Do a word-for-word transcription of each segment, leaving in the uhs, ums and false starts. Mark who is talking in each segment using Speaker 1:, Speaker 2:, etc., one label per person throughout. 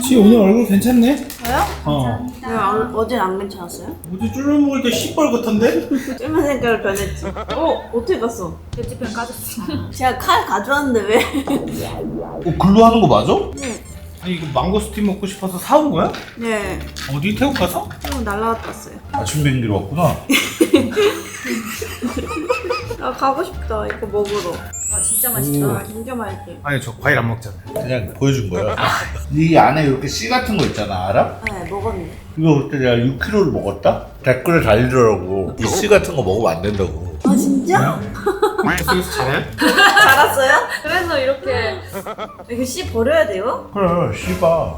Speaker 1: 지 오늘 얼굴 괜찮네?
Speaker 2: 저요?
Speaker 1: 어.
Speaker 2: 왜 안, 어젠 안 괜찮았어요?
Speaker 1: 어제 쫄면 먹을 때 시뻘겋던데?
Speaker 2: 쫄면 색깔 변했지. 어? 어떻게 갔어?
Speaker 3: 편집편 까졌어.
Speaker 2: 제가 칼 가져왔는데 왜?
Speaker 4: 어, 글로 하는 거 맞아?
Speaker 2: 네.
Speaker 1: 아니 이거 망고스틴 먹고 싶어서 사온 거야?
Speaker 2: 네.
Speaker 1: 어디 태국 가서?
Speaker 2: 좀 날라갔다 왔어요.
Speaker 4: 아침 비행기로 왔구나.
Speaker 2: 아 가고 싶다 이거 먹으러.
Speaker 3: 아 진짜 맛있다.
Speaker 2: 아 진짜 맛있지.
Speaker 1: 아니 저 과일 안 먹잖아요.
Speaker 4: 그냥 보여준 거야. 이 안에 이렇게 씨 같은 거 있잖아, 알아?
Speaker 2: 네 먹었는데.
Speaker 4: 이거 그때 내가 육 킬로를 먹었다? 댓글에 달리더라고. 이 씨 같은 거 먹으면 안 된다고.
Speaker 2: 아 진짜?
Speaker 1: 뱃속에서 잘해?
Speaker 2: 알았어요?
Speaker 3: 그래서 이렇게
Speaker 2: 이거 씨 버려야 돼요?
Speaker 4: 그래, 씨바.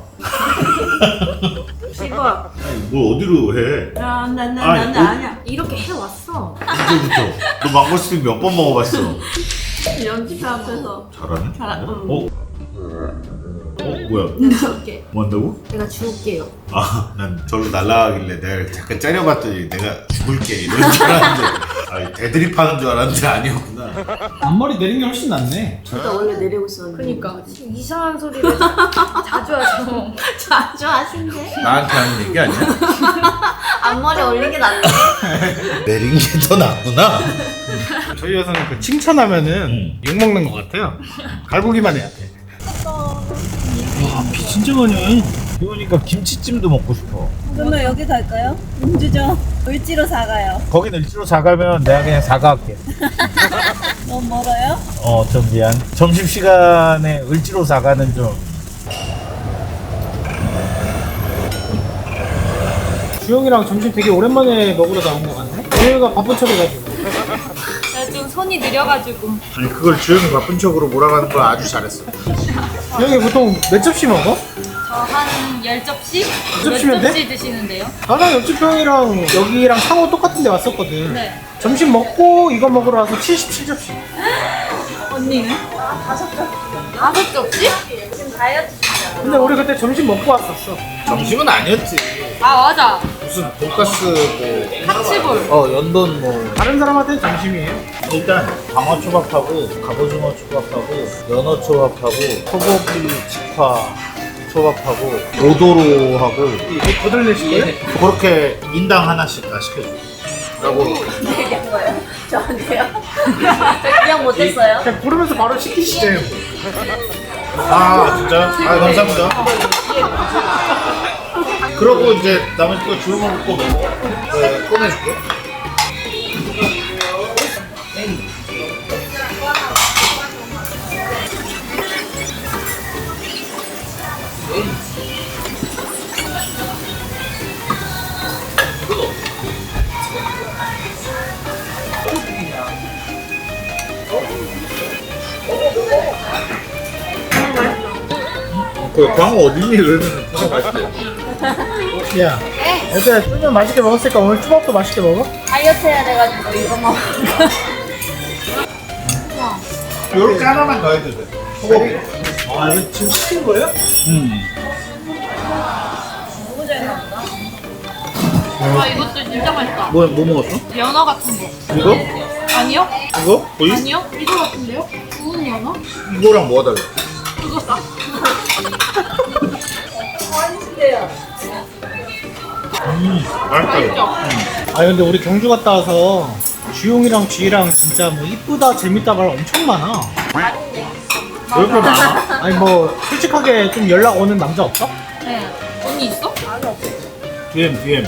Speaker 2: 씨발.
Speaker 4: 아니, 뭘 어디로 해?
Speaker 2: 나나나
Speaker 4: 아니,
Speaker 2: 나는
Speaker 4: 어?
Speaker 2: 아니야.
Speaker 3: 이렇게 해왔어.
Speaker 4: 이제부터. 너 망고스틴 몇 번 먹어봤어?
Speaker 2: 연기사 앞에서.
Speaker 4: 잘하네?
Speaker 2: 잘하. 응.
Speaker 4: 어? 어? 뭐야?
Speaker 3: 내가 줄게.
Speaker 4: 뭐 한다고?
Speaker 3: 내가 줄게요.
Speaker 4: 아, 난 절로 날아가길래 내가 잠깐 째려봤더니 내가 죽을게 이런 줄 알았는데 아, 대드립 하는 줄 알았는데 아니었구나.
Speaker 1: 앞머리 내린 게 훨씬 낫네.
Speaker 2: 저도 원래 내리고 있었는데.
Speaker 3: 그니까 이상한 소리를 자- 자주 하셔.
Speaker 2: 자주 하신대.
Speaker 4: 나한테 하는 얘기 아니야?
Speaker 2: 앞머리 올린 게 낫네.
Speaker 4: 내린 게 더 낫구나.
Speaker 1: 저희 여성은 그 칭찬하면은
Speaker 4: 응.
Speaker 1: 욕 먹는 것 같아요. 갈고기만 해야 돼. 와, 비 진짜 많이 와.
Speaker 4: 비 오니까 김치찜도 먹고 싶어.
Speaker 2: 그러면 여기 갈까요? 음주죠. 을지로 사가요.
Speaker 4: 거긴 일지로 사가면 내가 그냥 사가할게.
Speaker 2: 너무 멀어요?
Speaker 4: 어, 좀 미안. 점심시간에 을지로 사가는 좀.
Speaker 1: 주영이랑 점심 되게 오랜만에 먹으러 나온 것 같네? 주영이가 바쁜 척해가지고.
Speaker 3: 제가 좀 손이 느려가지고.
Speaker 4: 아니, 그걸 주영이 바쁜 척으로 몰아가는 걸 아주 잘했어.
Speaker 1: 주영이 보통 몇 접시 먹어?
Speaker 3: 저 한 열 접시?
Speaker 1: 접시면
Speaker 3: 몇
Speaker 1: 돼?
Speaker 3: 접시 드시는데요?
Speaker 1: 나랑 옆집 형이랑 여기랑 상호 똑같은 데 왔었거든.
Speaker 3: 네.
Speaker 1: 점심 먹고 이거 먹으러 와서 칠십칠 접시.
Speaker 3: 언니는? 다섯 접시?
Speaker 2: 지금 다이어트 중이야.
Speaker 1: 근데 우리 그때 점심 먹고 왔었어.
Speaker 4: 점심은 아니었지.
Speaker 3: 아 맞아.
Speaker 4: 무슨 돈가스 뭐.
Speaker 3: 카치볼.
Speaker 4: 어, 연돈 뭐.
Speaker 1: 다른 사람한테는 점심이에요.
Speaker 4: 일단 방어초밥하고 갑오징어 초밥하고 연어 초밥하고 소고기 직화 초밥하고 오도로하고
Speaker 1: 이거 거들내실 거예요?
Speaker 4: 그렇게 인당 하나씩 다 시켜줘. 라고.
Speaker 2: 얘기한 거예요? 저한테요? 저 그냥 못했어요.
Speaker 1: 그냥 부르면서 바로 시키시죠.
Speaker 4: 아 진짜? 아 감사합니다. 그러고 이제 나머지 거 주워 먹을 거 네, 꺼내줄게. 그 광어 어딨니? 그러면 진짜 맛있대.
Speaker 1: 야, 얘들아 쫄면 맛있게 먹었으니까 오늘 초밥도 맛있게 먹어?
Speaker 2: 다이어트 해야 돼가지고 이거 먹어.
Speaker 4: 요렇게 하나만 더 해도 돼. 소고기.
Speaker 1: 아, 이거 지금 시킨 거예요?
Speaker 4: 음.
Speaker 3: 와 이것도 진짜 맛있다.
Speaker 4: 뭐, 뭐 먹었어?
Speaker 3: 연어 같은 거.
Speaker 4: 이거?
Speaker 3: 아니요?
Speaker 4: 이거? 보이?
Speaker 3: 아니요? 이거 같은데요? 구운 연어?
Speaker 4: 이거랑 뭐가 달라?
Speaker 3: 그거 싸.
Speaker 4: 음, 맛있다. 이거.
Speaker 1: 아 근데 우리 경주 갔다 와서 주용이랑 쥐랑 진짜 뭐 이쁘다 재밌다 말 엄청 많아.
Speaker 4: 왜 이렇게 많아?
Speaker 1: 아니 뭐 솔직하게 좀 연락 오는 남자 없어?
Speaker 3: 네. 언니 있어?
Speaker 4: 디엠, 디엠.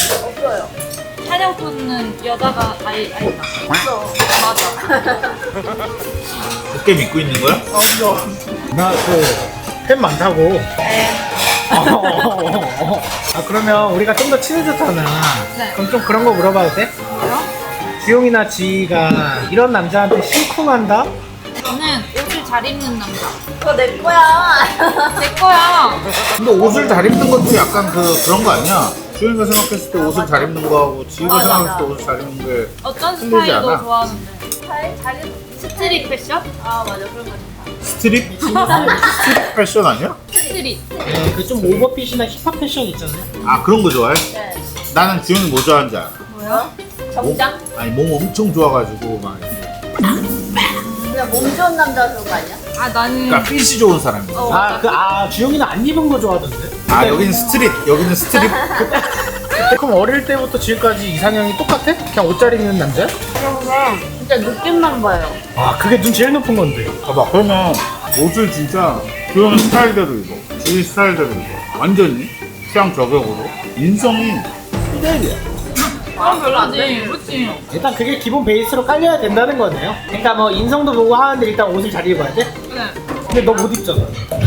Speaker 3: 사냥꾼은 여자가 아이 아니다.
Speaker 2: 없어.
Speaker 3: 맞아.
Speaker 4: 어깨 믿고 있는 거야?
Speaker 2: 없어.
Speaker 1: 나 그 팬 많다고.
Speaker 3: 네.
Speaker 1: 어, 어, 어, 어. 아 그러면 우리가 좀 더 친해졌잖아.
Speaker 3: 네.
Speaker 1: 그럼 좀 그런 거 물어봐도 돼?
Speaker 3: 뭐요?
Speaker 1: 주용이나 지희가 이런 남자한테 심쿵한다?
Speaker 3: 저는 옷을 잘 입는 남자.
Speaker 2: 그거 내 거야.
Speaker 3: 내 거야.
Speaker 4: 근데 옷을 잘 입는 것도 약간 그, 그런 거 아니야? 주인가 생각했을 때 옷을 잘 입는 거하고 지희가
Speaker 2: 맞아,
Speaker 4: 생각했을
Speaker 2: 맞아.
Speaker 4: 때 옷을 잘 입는 게
Speaker 3: 어떤
Speaker 4: 힘들지
Speaker 3: 스타일도
Speaker 4: 않아?
Speaker 3: 좋아하는데.
Speaker 2: 잘, 잘,
Speaker 3: 스트릿 패션?
Speaker 2: 아 맞아 그런 거 좋다.
Speaker 4: 스트릿? 스트릿 패션 아니야?
Speaker 3: 스트릿.
Speaker 1: 네, 그 좀 오버핏이나 힙합 패션 있잖아요.
Speaker 4: 아 그런 거 좋아해?
Speaker 2: 네.
Speaker 4: 나는 주영이 뭐 좋아하는지 알아.
Speaker 3: 뭐야?
Speaker 2: 정장?
Speaker 4: 몸, 아니 몸 엄청 좋아가지고 막 이렇게.
Speaker 2: 그냥 몸 좋은 남자 그런 거 아니야?
Speaker 3: 아 나는
Speaker 5: 그러니까 핏이 좋은 사람이야.
Speaker 3: 어,
Speaker 1: 아, 그, 아, 주영이는 안 입은 거 좋아하던데?
Speaker 5: 아 여기는 스트릿, 여기는 스트릿.
Speaker 1: 그럼 어릴 때부터 지금까지 이상형이 똑같아? 그냥 옷 잘 입는 남자?
Speaker 2: 그런데 진짜 느낌만 봐요.
Speaker 1: 아, 그게 눈 제일 높은 건데.
Speaker 5: 봐봐, 그러면 옷을 진짜 그런 스타일대로 입어. 주위 스타일대로 입어. 완전히 취향 저격으로. 인성이 피델이야.
Speaker 3: 아 별로지. 그렇지.
Speaker 1: 일단 그게 기본 베이스로 깔려야 된다는 거네요. 그러니까 뭐 인성도 보고 하는데 일단 옷을 잘 입어야 돼?
Speaker 3: 네.
Speaker 1: 근데 너 못 입잖아.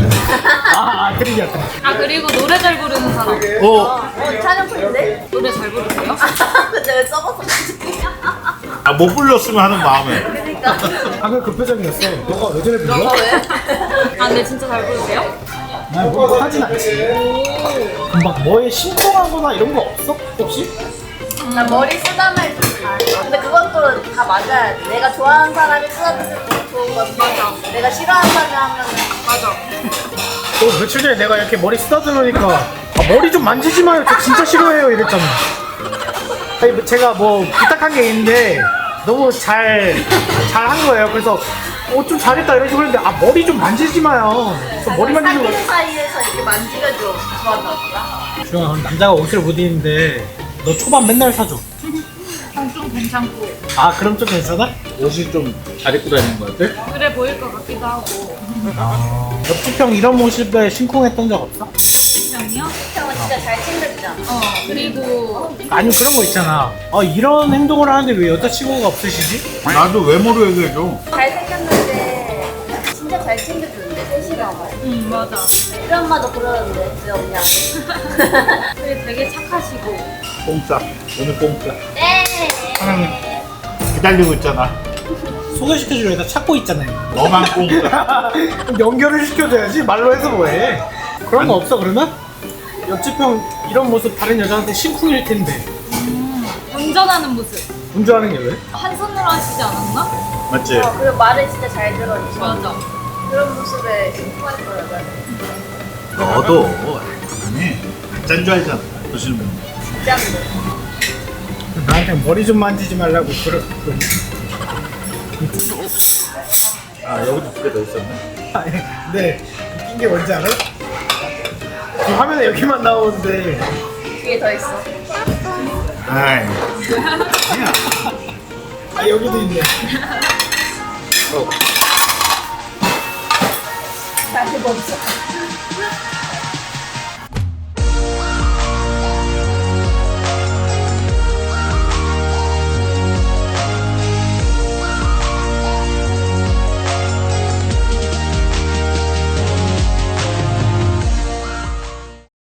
Speaker 1: 아, 아, 그러냐, 그래.
Speaker 3: 아 그리고 노래 잘 부르는 사람.
Speaker 5: 어,
Speaker 2: 어, 촬영 풀인데?
Speaker 3: 노래 잘 부르세요?
Speaker 2: 근데 왜 써봤어?
Speaker 5: 아, 못 불렀으면 하는 마음에.
Speaker 2: 그러니까.
Speaker 1: 방금 그 표정이었어. 너가 왜 저래 불러?
Speaker 2: 너가 왜?
Speaker 3: 아 근데 진짜 잘 부르세요?
Speaker 1: 난 뭐, 못하진 않지. 막 뭐에 신통한 거나 이런 거 없어? 혹시?
Speaker 2: 나 머리 쓰다말 좀 잘해. 근데 그건 또 다 맞아야 돼. 내가 좋아하는 사람이 쓰다듬으면 좋은 건데 내가 싫어하는 사람이 하면
Speaker 3: 맞아.
Speaker 1: 또 며칠 전에 내가 이렇게 머리 쓰다듬으니까 아, 머리 좀 만지지 마요. 저 진짜 싫어해요. 이랬잖아. 아니, 뭐 제가 뭐 부탁한 게 있는데 너무 잘, 잘 한 거예요. 그래서 어, 좀 잘했다 이런 식으로 했는데 아, 머리 좀 만지지 마요. 그래서 머리 만지는 거.
Speaker 2: 사귀는 사이에서 이렇게 만지면 좀 좋아하나 보다.
Speaker 1: 주영아, 그럼 남자가 옷을 못 입는데 너 초반 맨날 사줘.
Speaker 3: 좀 괜찮고
Speaker 1: 아, 그럼 좀 괜찮아?
Speaker 5: 옷이 좀 잘 입고 다니는 것 같아?
Speaker 3: 그래 보일 것 같기도 하고.
Speaker 1: 아, 옆집형 이런 모습에 심쿵했던 적 없어?
Speaker 3: 형이요?
Speaker 2: 형은 진짜 잘 챙겨주잖아.
Speaker 3: 어 그리고
Speaker 1: 아니, 그런 거 있잖아. 아, 이런 행동을 하는데 왜 여자친구가 없으시지?
Speaker 5: 나도 외모로 얘기해줘.
Speaker 2: 잘생겼는데 진짜 잘 챙겨주는데 셋이라고.
Speaker 3: 응 맞아.
Speaker 2: 우리 엄마도 그러는데 왜 없냐고.
Speaker 3: 그리고 되게 착하시고.
Speaker 5: 공짜. 오늘 공짜.
Speaker 2: 네.
Speaker 5: 사랑해. 기다리고 있잖아.
Speaker 1: 소개시켜주려다 찾고 있잖아요.
Speaker 5: 너만 공짜.
Speaker 1: 연결을 시켜줘야지. 말로 해서 뭐해. 그런 거 없어, 그러면? 옆집형 이런 모습 다른 여자한테 심쿵일 텐데.
Speaker 3: 운전하는 모습.
Speaker 1: 운전하는 게 왜?
Speaker 3: 한 손으로 하시지 않았나?
Speaker 5: 맞지?
Speaker 2: 어, 그리고 말을 진짜 잘 들어주셔.
Speaker 3: 맞아.
Speaker 2: 그런 모습에 심쿵할 거야. 나는.
Speaker 5: 너도 아니 가짜인 줄 알잖아. 보시는 분.
Speaker 2: 진짜인데.
Speaker 1: 나한테 머리 좀 만지지 말라고 그러, 그러.
Speaker 5: 아 여기도 두 개 더 있었네.
Speaker 1: 아니, 근데 웃긴 게 뭔지 알아? 이 화면에 여기만 나오는데
Speaker 2: 뒤에 더 있어.
Speaker 5: 아이.
Speaker 1: 아, 여기도 있네.
Speaker 5: 어.
Speaker 2: 다시 멈춰.